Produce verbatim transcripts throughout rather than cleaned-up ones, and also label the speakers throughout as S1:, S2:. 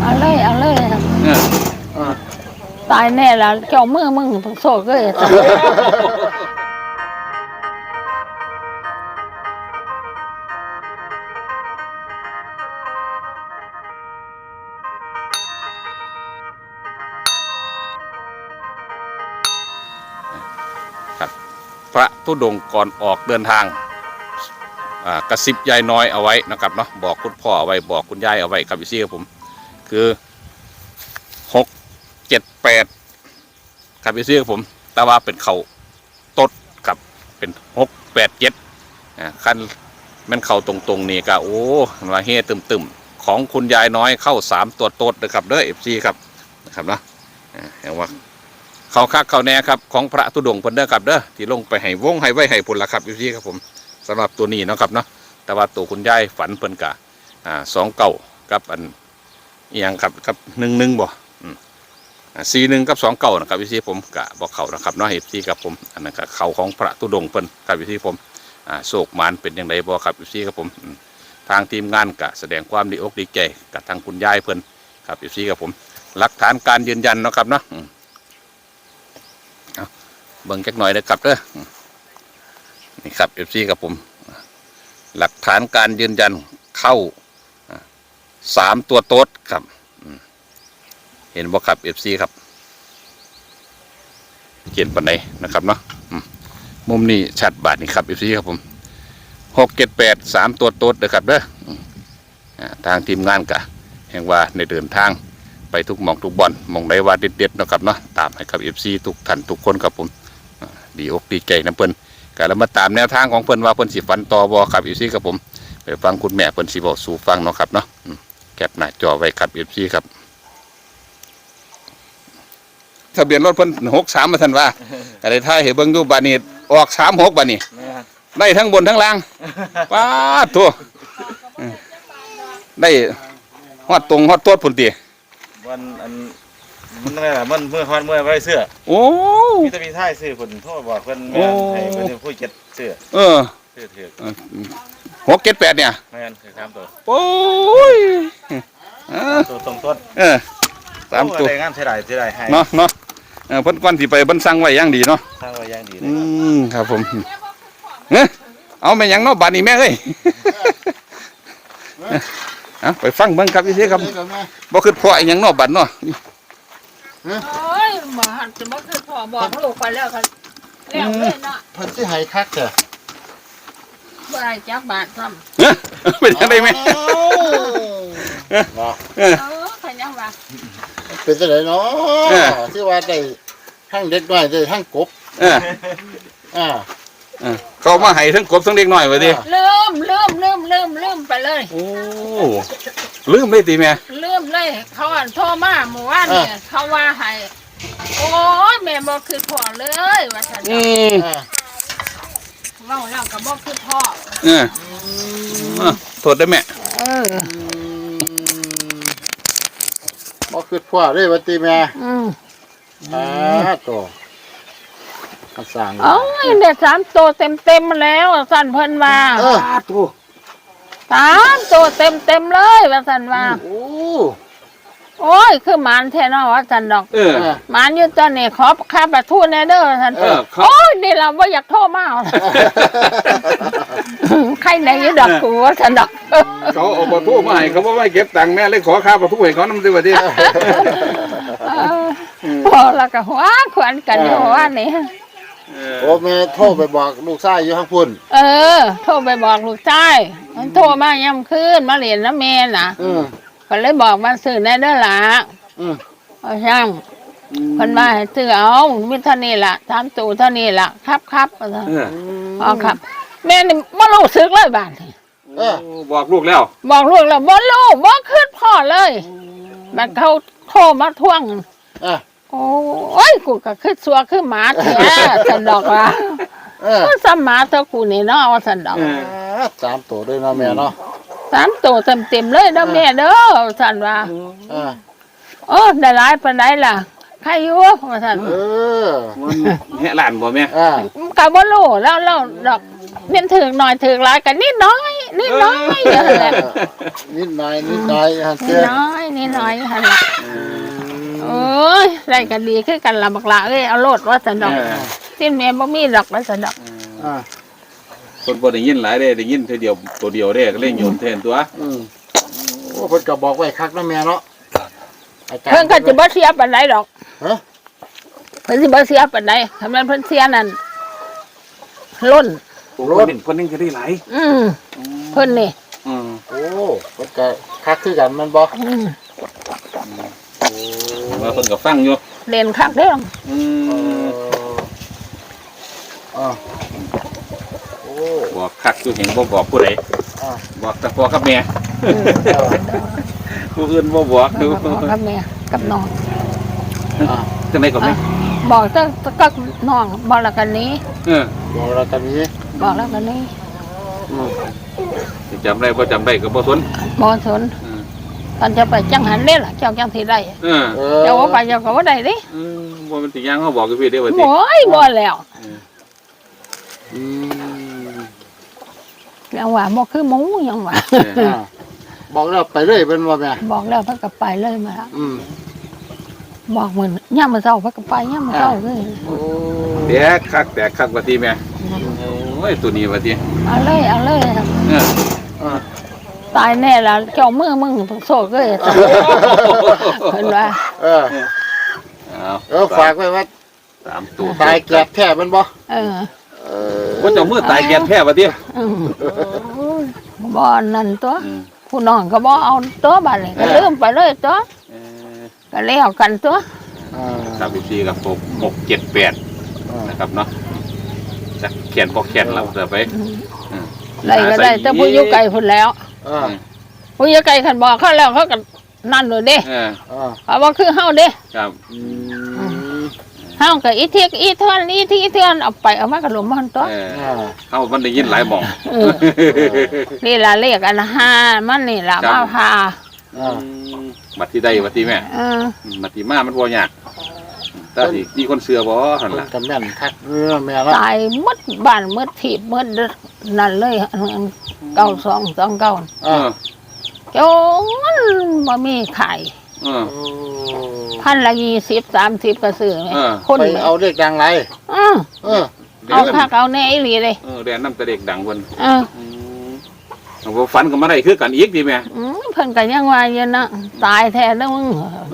S1: เอาเลยเอาเลยครับ
S2: เออ
S1: ตายแน่ละเจ้ามือมึงโซ่ก็เลยตาย
S2: ครับพระธุดงค์ก่อนออกเดินทางอ่ากระซิบยายน้อยเอาไว้นะครับเนาะบอกคุณพ่อเอาไว้บอกคุณยายเอาไว้ครับพี่ซี่ครับผมคือหกเจ็ดแปดครับพี่ซี่ครับผมแต่ว่าเป็นเขาตดกับเป็นหกแปดเจ็ดอ่าขั้นมันเข่าตรงๆนี่ก็โอ้มาเฮ่ตึมๆของคุณยายน้อยเข้าสามตัวตดนะครับเด้อเอฟซีครับนะครับเนาะอ่าเห็นว่าเขาคักเขาแน่ครับของพระธุดงค์เพิ่นเด้อครับเด้อที่ลงไปให้วงให้ไว้ให้พุ่นละครับพี่ครับผมสำหรับตัวนี้เนาะครับเนาะแต่ว่าตัวคุณยายฝันเพิ่นกะอ่าสองเก่ากับอันอีหยังครับกับหนึ่งหนึ่งบ่อืมอ่าสี่หนึ่งกับสองเก่านะครับพี่ผมกะบอกเขานะครับเนาะพี่ครับผมอันนั้นกะเขาของพระธุดงค์เพิ่นครับพี่ผมอ่าโศกมานเป็นอย่างไรบ่ครับพี่ครับผมทางทีมงานกะแสดงความดีอกดีใจกับทางคุณยายเพิ่นครับพี่ครับผมหลักฐานการยืนยันเนาะครับเนาะเบิ่งจักหน่อยนะครับเด้อนี่ครับเอฟซีกับผมหลักฐานการยืนยันเข้าสามตัวโต๊ดครับเห็นบ่ครับเอฟซีครับเขียนปันไหนนะครับเนาะมุมนี้ชัดบาทนี่ครับเอฟซีครับผมหกเจ็ดแปดสามตัวโต๊ดนะครับเด้อทางทีมงานกะแห่งว่าในเดินทางไปทุกหม่องทุกบ่อนหม่องใดว่าเด็ดๆนะครับเนาะตามให้ครับเอฟซีทุกท่านทุกคนครับผมดีอกดีใจนะเพิ่นก็แล้วมาตามแนวทางของเพิ่นว่าเพิ่นสิฝันต่อบ่ครับเอฟซีครับผมไปฟังคุณแม่เพิ่นสิบอกสู่ฟังเนาะครับเนาะแคปหน้าจอไว้ครับเอฟซีครับทะเบียนรถเพิ่นหกสามมาท่านว่าก็ได้ถ่ายให้เบิ่งดูบัดนี้ออกสามหกบัดนี้ได้ทั้งบนทั้งล่างป๊าดตัวได้ฮอดตรงฮอดตัวพุ่นติ
S3: วันอันมันอะไรล่ะมันเมื่อวันเมื่อไว้เสื้อ
S2: โอ้
S3: มีแต่มีท่ายซื้อคนโทษบอกเพิ่นแม่ให้เพิ่นผู้เก็บเสื้อ
S2: เออ
S3: ซื้อถือ
S2: หกเจ็ดแปดเนี่ย
S3: แม่นคือสามตัว
S2: โอ้ย
S3: ตัวตรงต้น
S2: เออสามตัว
S3: งานเสียดายเสียดายให้
S2: เนาะเนาะเออเพิ่นก้อนที่ไปเพิ่นสั่งไว้อย่างดีเนาะ
S3: สั่งไว้อย่างดี
S2: อืมครับผมเฮ้เอาไปยังเนาะบาดนี้แม่เอ้ยเอาไปฟังเบิ่งครับพี่เสียครับบ่คือพ่ออีหยังเนาะบัดเนาะ
S1: โอ้ยหมาจะบ่คือพ่อบอกลูกไปแล้วกันแล้วเลยเนาะ
S4: เพิ่นสิให้คักเด้อ
S1: บ่ได้จักบาทซ้ำ
S2: เฮ้เป็นจังได๋แม่
S4: เนาะ
S1: เออใครยังว่า
S4: เป็นจังได๋เนาะที่ว่าได้ทั้งเด็กน้อยได้ทั้งกบ
S2: เออ
S4: อ่า
S2: เขามาให้ทั้งกบทั้งเด็กน้อยว่าติ
S1: ลืมลืมลืมลืมลืมไปเลย
S2: โอ้ลืมเลยติแม่
S1: ลืมเลยเขาอันโทรมาเมื่อวานเนี่ยเขาว่าให้โอ้ยแม่บ่คือพ่อเลยว่าซั่นอืมเว้าแล้วก็บ่คือพ่อ
S2: เออโทษได้แม่
S1: เออ
S4: บ่คือพ่อเลยว่าติแม่
S1: อืม
S4: อ่าตัวสั่ง
S1: โอ้ยได้สามตัวเต็มๆแล้วสั่นเพิ่นว่า
S4: เออตัว
S1: สามตัวเต็มๆเลยว่าซั่นว่า
S4: โอ้
S1: โอ้ยคือหมานแท้เนาะว่าซั่นดอก
S2: เออ
S1: หมานอยู่ตอนนี้ขอค่าประทูแน่เด้อซั่นโอ้ยนี่ล่ะบ่อยากโทรมาใครไหนอยู่ดอกกูว่าซั่นดอก
S2: เขาเอาประทูมาให้เขาบ่ให้เก็บตังค์แม่เลยขอค่าประทูให้เขานำซิว่าติ
S1: พอแล้วก็หัวขวัญกันอยู่ว่านี่
S4: โอ้แม่โทรไปบอกลูกชายอยู่ข้างพุ่น
S1: เออโทรไปบอกลูกชายมันโทรมาย่ำคืนมาเรียนน้ำแม่น่ะก็เลยบอกมาซื้อในเด้อล่ะเอาช่างคนมาให้ซื้อเอามิเท่านี้ล่ะสามตู่เท่านี้ล่ะครับครับอ๋อครับแม่นี่บ่รู้สึกเลยบ้าน
S2: บอกลูกแล้ว
S1: บอกลูกแล้วบ่รู้บ่ขึ้นพ่อเลยมันเขาโทรมาทวงโอ้ยกูก็คือสัวคือหมาแท้สันดอกว่าก็สมมาเท่ากูนี่เนาะว่าสันดอก
S4: สามตัวด้วยเนาะแม่เนาะ
S1: สามตัวเต็มเต็มเลยเนาะแม่เด้อสันว่าโอ้ได้หลายปานใดล่ะใครอยู่ว่าสัน
S4: เออ
S2: มันแห่หลานบ่แม่
S1: กับบ่รู้แล้วแล้วดอกเพียนถึงหน่อยถึงหลายกันนิดน้อยนิดน้อยอย่างนั้นแหละ
S4: นิดหน่อยนิดหน่อยฮะ
S1: นิ
S4: เจ้
S1: ดน้อยนิดน้อยอย่างนั้นแหละโอ้ยได้กันดีคือกันละบักละเอ้ยเอาโลดว่าสนดอกสิ้นแม่บ่มีดอกว่าสนดอก
S4: อ่า
S2: คนบ่ได้ยินหลายเด้ได้ยินเท่าเดียวตัวเดียวเด้ก็เลยโยนแทนตัว
S4: อืมโอ้เพิ่นก็บอกไว้คักนะแม่เนาะอาจารย์
S1: เพิ่นก็สิบ่เสียปานใดดอก
S4: ฮะ
S1: เพิ่นสิบ่เสียปานใดทำนั้นเพิ่นเสียนั่นล้น
S2: รถคนนึงก็ได้หลาย
S1: อืมเพิ่นนี่
S2: อืม
S4: โอ้เพิ่นก็คักคือกันแมันบ่
S1: อืม
S2: ว่าเพิ่นก็ฟังอยู่
S1: เล่นคักเด้อ
S2: อื
S4: เอ
S2: ม
S4: ออ่าโอ้
S2: บอกคักอยู่เห็นบ่บอกผู้ใด
S4: อ่า
S2: บอกแต่พ่อกับแม่
S1: อืม
S2: ผู้อื่นบ่บอกดู
S1: บอกกับแม่กับน้อง
S4: อ่า
S2: จังได๋ก็แม่
S1: บอกแต่ก็น้องบอกแล้วกันนี้
S2: เออ
S4: บอกเรากันนี้
S1: บอกแล้วกันนี้
S4: อืม
S2: สิจำได้บ่จำได้ก็บ่สน
S1: บ่สน
S2: อืม
S1: ตอนจะไปจังหันเด้ล่ะเจ้าจังสิได้
S2: เออ
S4: เออ
S1: เจ้าว่าไปเจ้าก็บ่ได้เด้
S2: อืมบ่มันสิย่างเฮาบอกกับพี่เด้อว่าติ
S1: โอ้ยบ่แล้ว
S4: อืม
S1: ยังว่าบ่คือหมูยังว่า
S4: อ่าบอกแล้วไปเลยเป็นว่าแม่
S1: บอกแล้วเพิ่นก็ไปเลยมาแล้ว
S4: อืม
S1: บอกมื้อย่ามมื้อเช้าเพิ่นก็ไปย่ามมื้อเช้าเลย
S4: โอ้
S2: แตกคักแตกคักว่าติแม่โอ้ยตัวนี้ว่าติ
S1: เอาเลยเอาเลย
S2: เออ
S4: อ่า
S1: ตายแน่ล่ะเจ้ามือมึงเพิ่นโซกเลยเพิ่นว่า
S4: เออ
S2: เอา
S4: เออฝากไว้ว่า
S2: สามตัว
S4: ตายแกบแท้แมันบ่
S1: เออ
S4: เออ
S2: ว่าเจ้ามือตายแก่แท้ว่าติ
S1: อืมบ่นั่นตัว
S2: อืม
S1: ผู้น้องก็บ่เอาตัวบัดนี้ก็ลืมไปเลยตัว
S2: เออ
S1: ก็แล้วกันตัว
S4: อ่า
S2: สามสิบสี่กับหกหกเจ็ดแปด
S4: อ่า
S2: นะครับเนาะจะแขนพอแขนเราเดี๋ยวไป
S1: ได้ก็ได้แต่ผู้อยู่ไกลพุ่นแล้ว
S4: อ่า
S1: ผู้อยู่ไกลคันบอกเขาแล้วเขาก็นั่นเลยเด้
S2: เออ
S4: อ่า
S1: เขาบอกคือเฮาเด้
S2: ครับ
S4: อืม
S1: เฮาก็อีเทียกอีเทือนอีที่อีเทือนเอาไปเอามาก็หลมมันตัว
S2: เออ
S4: อ่า
S2: เขามันได้ยินหลายหมอง
S1: เออนี่ล่ะเลขอันห้ามันนี่ล่ะ
S2: ครับ
S1: มาพา
S4: อ่า
S2: บัตรที่ได้บัตรที่แม่
S1: เออ
S2: บัตรที่มามันบ่ยากแต่ที่มีคนเสือบ่หัน
S4: เพิ่น
S2: ล่ะ
S4: ก็แม่นคักเออแม่ละ
S1: ตายหมดบ้านหมดถีบหมดนั่นเลยอันเก้าสองสองเก้า
S2: เออ
S1: จนบ่มีขาย
S2: เออ
S4: โอ้
S1: พันละยี่สิบสามสิบก็ซื้อไหม
S2: เออ
S1: คน
S4: ไปเอาเลขดังไร
S1: อือ
S4: เออ
S1: เอาคักเอาแน่อีหลีเลย
S2: เออแดนน้ำแต่เด็กดังเพิ่น
S1: เออ
S2: อืมเอาบ่ฝันก็มาได้คือกันอีกดีแม่
S1: อืมเพิ่นก็ยังว่าอยู่นะตายแท้เด้อมึง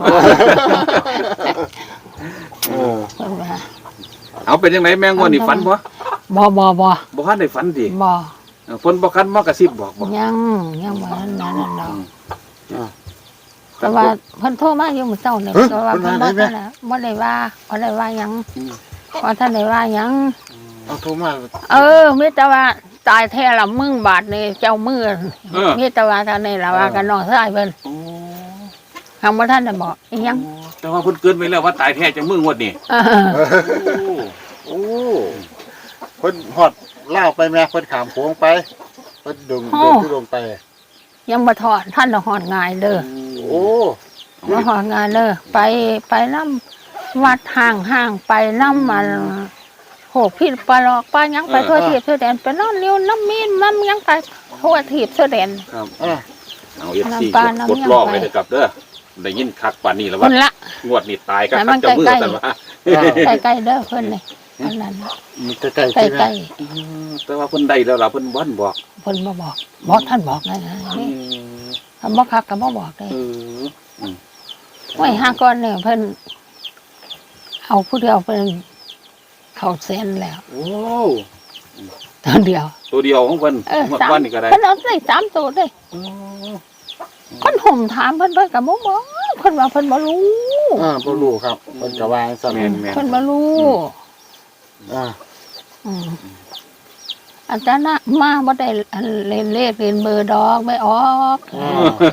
S4: โอ้
S1: เพิ่นว่า
S2: เอาเป็นจังไดแม่งวดนี่ฝันบ่
S1: บ่บ่บ่
S2: บ่ทันได้ฝันติ
S1: บ่
S2: เออเพิ่นบ่คันมากระซิบบอกบ่
S1: ยังยังบ่นั่นนั่นนั่นดอก
S4: อ่า
S1: แต่ว่าเพิ่นโทรมาอยู่มื้อเช้าเนี่ย
S4: เอ้ย
S1: แต่ว่า
S4: เพิ่
S1: เพิ่น
S4: น
S1: บ่
S4: ว่าได้ไหม
S1: ทันได้บ่ได้ว่าบ่ได้ว่าหยัง
S2: อืม
S1: บ่ทันได้ว่าหยัง
S4: เอาโทรมา
S1: เออมีแต่ว่าตายแท้ละมึงบาดนี่เจ้ามือ
S2: เออ
S1: มีแต่ว่าเท่านี้ล่ะว่ากันน้องชายเพิ่น
S2: โอ้
S1: ทางบ่ทันได้บอกอีหยัง
S2: แต่ว่าเพิ่นเกินไปแล้วว่าตายแท้จังมืองวดนี่
S1: เออ
S2: โอ้
S4: โอ้เพิ่นฮอดเล่าวไปแม่เพิ่นขามโค้งไปเพิ่นดึงเดินที่ลงไป
S1: ยังบ่ทอดท่านน่ะฮอดง่ายเด้อ
S4: โอ้
S1: มาหองานเด้อไปไปน้ำวัดห่างห่างไปน้ำมันโหพิษปลาหลอกปลาหยังไปทั่วทีบทั่วแดนไปนอนเลี้ยวน้ำมีนมันยังไปทั่วทีบทั่วแดน
S2: ครับ
S4: อ่า
S2: เอา เอฟ ซี
S1: น้ำปลาน้ำ
S2: กด
S1: ยัง
S2: รอบ
S1: ไป
S2: ไว้เลยครับเด้อได้ยินคักป่านนี้แล้ว
S1: ค
S2: ว่าน
S1: ละ
S2: งวดนี้ตายก็
S1: แต่มั
S2: คัก
S1: น
S2: จะมือ
S1: ใกล้ๆ
S2: แต่ว่า
S1: ใกล้ๆเด้อเพิ่นนี่อันนั้น
S4: มันใกล้ๆ
S1: ใก
S4: ใช่ไหม
S1: ล้
S2: อืมแต่ว่าเพิ่นได้แล้วล่ะเพิ่นบ่นบอก
S1: ๆเพิ่นบ่บอกบอกท่านบอกไงนะนี่ถ้าบ่คักก็บ่บอกเลย
S2: เออ
S1: ไว้ห้าก้อนเนี่ยเพิ่นเอาผู้เดียวเพิ่นเข้าเส้นแล้ว
S4: โอ้
S1: ตัวเดียว
S2: ตัวเดียวของเพิ่น
S1: เออง
S2: วด
S1: สาม
S2: วันนี้ก็ได้
S1: เพิ่นเอาได้สามตัวเลย เพิ่นห่มถามเพิ่นเพิ่นก็บ่บอกเพิ่นว่าเพิ่นบ่รู้
S4: อ่าบ่รู้ครับเพิ่นก็วางซั่น
S2: แม่นแม่น
S1: เพิ่นบ่รู้
S4: อ่า
S1: อืมอาจารย์น่ะมาบ่ได้อันเล่นเลขเล่นเบอร์ดอกไม่ออก
S4: อ่า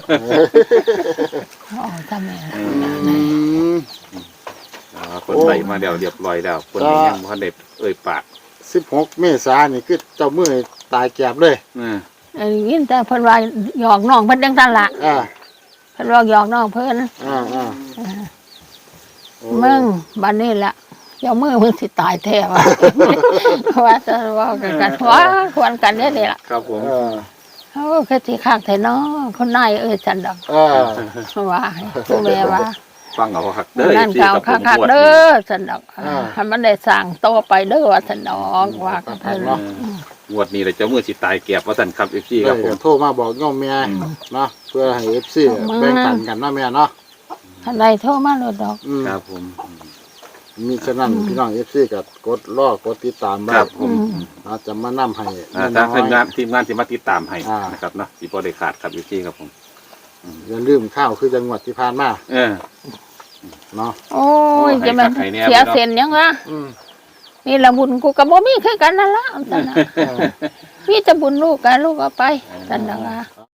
S1: อ๋อทำไม
S4: อืม
S2: อ่าเพิ่นได้มาแล้วเรียบร้อยแล้วเพิ่นยังบ่ทันได้เอ่ยปาก
S4: สิบหกเมษายนนี่คือเจ้ามือตายแกบเลย
S2: เออ
S1: เอ้ยยินแต่เพิ่นว่าหยอกน้องเพิ่นจังซั่นล่ะ
S4: อ่า
S1: เพิ่นว่าหยอกน้องเพิ่น
S4: อ่าอ่าโอ้
S1: มึงบัดนี้ล่ะเจ้ามือมึงสิตายแท้ว่า ว่าจะเว่ากันกันว่าควรกันเด้อนี่ล่ะ
S2: ครับผม
S4: เออ
S1: เออคือสิคักแท้เนาะคนนายเอ้ยจันดอก
S4: เออ
S1: ว่าผู้แม่ว่า
S2: ฟังเอาคักเด้อ
S1: นั่น
S2: ที่
S1: เก่า
S2: กับผม
S1: คัก
S2: งวด
S1: ๆเด้
S2: นี้
S1: อจันดอกให้มันได้สร้างโตไปเด้อว่าจันดอกว่ากันเถอะเนาะ
S2: งวดนี้เลยเจ้ามือสิตายเกียบว่าท่านครับเอฟซี
S4: เอ
S2: ครับ
S4: อ
S2: ผม
S4: โทรมาบอกโยมแม่เนาะเพื่อให้ เอฟ ซี แบ่งปันกันเนาะแม่เนาะ
S1: คันใดโทรมาโลดดอก
S4: อืม
S2: ครับผม
S4: มีฉะนั้นพี่น้อง เอฟ ซี ก็กดรอกดติดตามไว้
S2: ครับผม
S4: อาจจะมานํให้
S2: อ่า
S4: แม่
S2: ถ้า
S4: น้อย
S2: ทีมงานทีมงานที่มาติดตามให้
S4: อ่าน
S2: นะครับเนาะสิบ่ได้ขาดครับเอฟซีครับผม
S4: อย่าลืมข้าวคือจังหวัดที่ผ่านมา
S2: เออ
S4: เนาะ
S1: โอ้ยจะมัน
S2: ให้คักให้แน่
S1: เสียเส้นยังวะ
S4: อืม
S1: นี่ละบุญกูก็บ่มีคือกันนั่นละจันน่ะ
S4: เออ
S1: มีแต่บุญลูกกันลูกเอาไปจันน่ะว่า